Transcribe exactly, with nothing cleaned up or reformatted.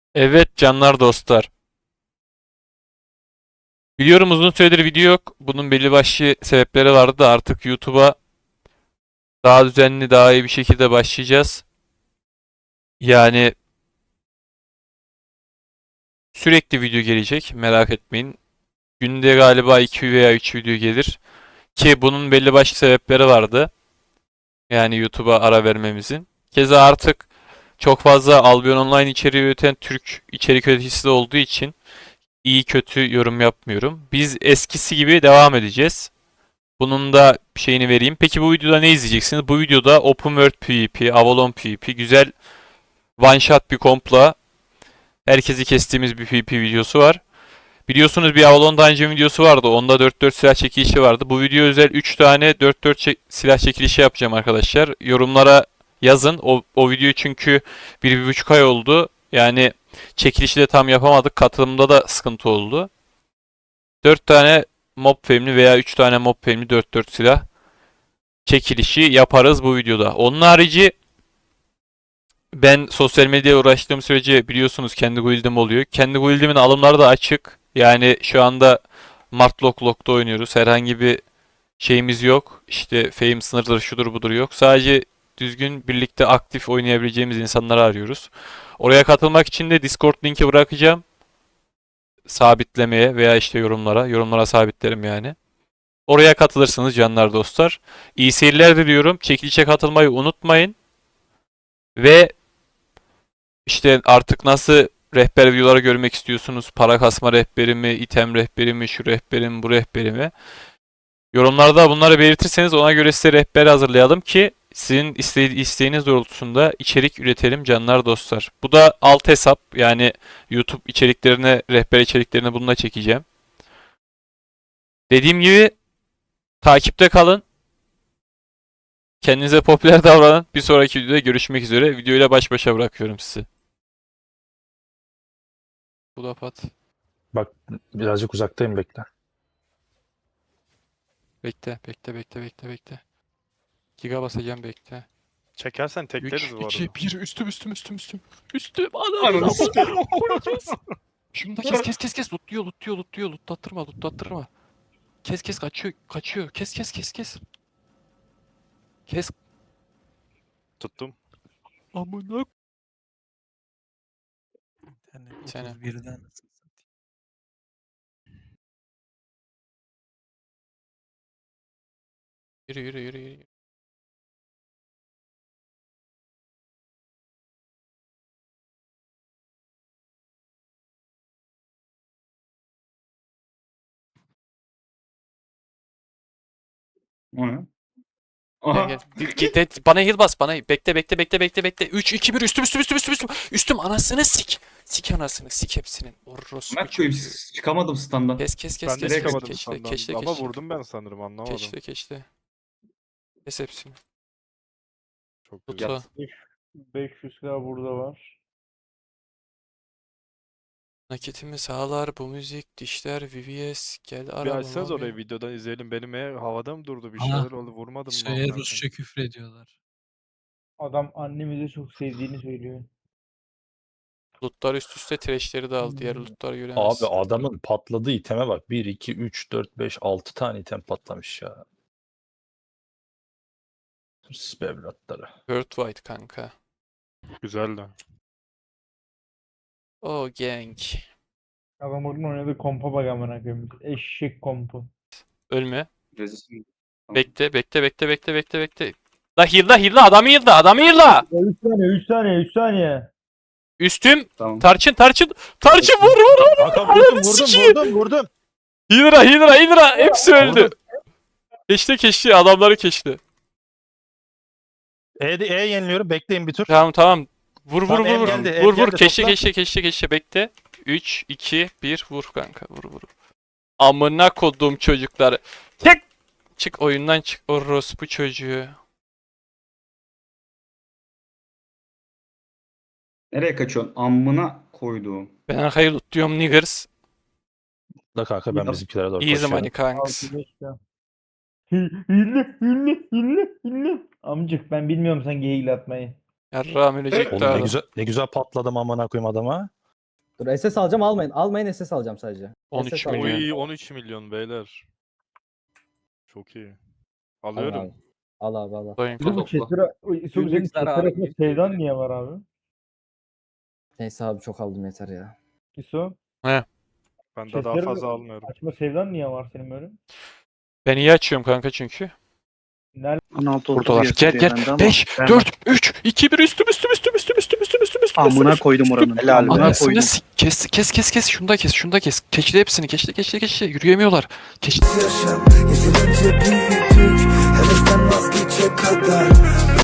Evet canlar dostlar. Biliyorum uzun süredir video yok. Bunun belli başlı sebepleri vardı da artık YouTube'a daha düzenli, daha iyi bir şekilde başlayacağız. Yani sürekli video gelecek, merak etmeyin. Günde galiba iki veya üç video gelir. Ki bunun belli başlı sebepleri vardı. Yani YouTube'a ara vermemizin. Keza artık çok fazla Albion Online içeriği üreten Türk içerik üreticisi de olduğu için iyi kötü yorum yapmıyorum. Biz eskisi gibi devam edeceğiz. Bunun da şeyini vereyim. Peki bu videoda ne izleyeceksiniz? Bu videoda Open World PvP, Avalon PvP, güzel one shot bir kompla herkesi kestiğimiz bir PvP videosu var. Biliyorsunuz bir Avalon Dungeon videosu vardı. Onda dört dört silah çekilişi vardı. Bu video özel üç tane dört dört çek- silah çekilişi yapacağım arkadaşlar. Yorumlara yazın. O, o video çünkü bir bir buçuk ay oldu. Yani çekilişi de tam yapamadık. Katılımda da sıkıntı oldu. dört tane mob femli veya üç tane mob femli dört dört silah çekilişi yaparız bu videoda. Onun harici ben sosyal medyaya uğraştığım sürece biliyorsunuz kendi guildim oluyor. Kendi guildimin alımları da açık. Yani şu anda Mart Lock Lock'ta oynuyoruz. Herhangi bir şeyimiz yok. İşte fame sınırları şudur budur yok. Sadece düzgün birlikte aktif oynayabileceğimiz insanları arıyoruz. Oraya katılmak için de Discord linki bırakacağım. Sabitlemeye veya işte yorumlara. Yorumlara sabitlerim yani. Oraya katılırsınız canlar dostlar. İyi seyirler diliyorum. Çekilişe katılmayı unutmayın. Ve işte artık nasıl rehber videoları görmek istiyorsunuz? Para kasma rehberi mi, item rehberi mi, şu rehberi mi, bu rehberi mi? Yorumlarda bunları belirtirseniz ona göre size rehber hazırlayalım ki sizin iste isteğiniz doğrultusunda içerik üretelim canlar dostlar. Bu da alt hesap yani YouTube içeriklerine, rehber içeriklerini bununla çekeceğim. Dediğim gibi takipte kalın. Kendinize popüler davranın. Bir sonraki videoda görüşmek üzere. Videoyla baş başa bırakıyorum sizi. Bu da pat. Bak birazcık uzaktayım bekle. Bekle, bekle, bekle, bekle, bekle. Giga basacağım bekle. Çekersen üç, tekleriz bu iki, arada. bir, üstüm, üstüm, üstüm, üstüm. Üstüm, ananı Ananı sikeyim. Kes. Şunu da kes, kes, kes, kes. Lootluyor, lootluyor, lootluyor. Lootlattırma, lootlattırma. Kes, kes, kaçıyor, kaçıyor. Kes, kes, kes, kes. Kes. Tuttum. Amına. İnternet Sene. otuz birden Yürü, yürü, yürü, yürü. O ne? Gel, Aha. gel. Git, git, git. Bana heal bas, bana. Bekle, bekle, bekle, bekle, bekle. üç, iki, bir. Üstüm, üstüm, üstüm, üstüm, üstüm. Üstüm, anasını sik. Sik anasını, sik hepsinin. Orospu Mert koyayım çocuğu. çıkamadım standdan. Kes, kes, kes, Ben de kes, kes. çıkamadım Keşle, sandan. keşle, Ama keşle. vurdum ben sanırım anlamadım. Keşle, keşle. Kes hepsini. Çok Tut güzel. o. beş yüz k burada var. Nakitimi sağlar bu müzik, dişler, V V S, gel Bir arabama açsanız orayı bin. videodan izleyelim. Benim eğer havada mı durdu bir Aha. şeyler oldu vurmadım mı? Şeye amına Rusça koyayım? küfür ediyorlar. Adam annemizi çok sevdiğini söylüyor. Lootlar üst üste trashleri de al. Diğer Hmm. lootları Abi göremezsin. adamın patladığı iteme bak. bir, iki, üç, dört, beş, altı tane item patlamış ya. Hırsız be evlatları. Worldwide kanka. Güzel de. Oh gang. Adam oradan oynadığı kompa bak amına koyayım. Eşek kompu. Ölme. Rezil. Bekle, bekle, bekle, bekle, bekle, bekle. La heal'la, heal'la, adamı heal'la, adamı heal'la. üç saniye, üç saniye, üç saniye. Üstüm. Tamam. Tarçın, tarçın. Tarçın vur, vur, vur. Kanka vurdum Ananı vurdum sikeyim. vurdum vurdum. Hydra, Hydra, Hydra. Hepsi öldü. Keşte, keşte. Adamları keşte. E, e yeniliyorum bekleyin bir tur. Tamam, tamam. Vur, vur, Tamam, vur, el vur. geldi, el Vur, vur. geldi, Keşte, topla. keşte, keşte, keşte. Bekle. üç, iki, bir. Vur kanka. Vur, vur. Amına kodum çocukları. Çık. Çık oyundan çık. Orospu çocuğu. Nereye kaçıyorsun? Ammına koyduğum. Ben arkayı lootluyorum niggers. Da kanka ben Yap. bizimkilere doğru Easy money koşuyorum. kanks. altı beş k. Hille, hille, hille, hille. Amcık ben bilmiyorum sen geyil atmayı. Yarrağım ölecek Oğlum daha ne da. güzel ne güzel patladım amına koyayım adama. Dur S S alacağım almayın. Almayın S S alacağım sadece. on üç S S alacağım. milyon. Oy on üç milyon beyler. Çok iyi. Al Alıyorum. abi. Al abi al. Sayın Bir de bu Topla. Chester, senin Günlük Chester zarar, arasında günlük şeyden gelir. niye var abi? Neyse abi çok aldım yeter ya. İso. Ben de daha Chester'ın fazla almıyorum. Açma sevdan niye var senin böyle? Ben iyi açıyorum kanka çünkü. Nerede? on altı Buradalar. otuz Gel yazıyor bende gel. ama beş, ben- dört, üç, iki, bir üstüm üstüm üstüm üstüm üstüm üstüm üstüm üstüm. Amına üstüm, koydum üstüm. oranın. Helal Amına Anasını koydum. s- kes kes kes kes şunu da kes şunu da kes. Keçile hepsini keçile keçile keçile yürüyemiyorlar. Keçile. Yaşam yeterince büyüdük, hevesden vazgeçecek kadar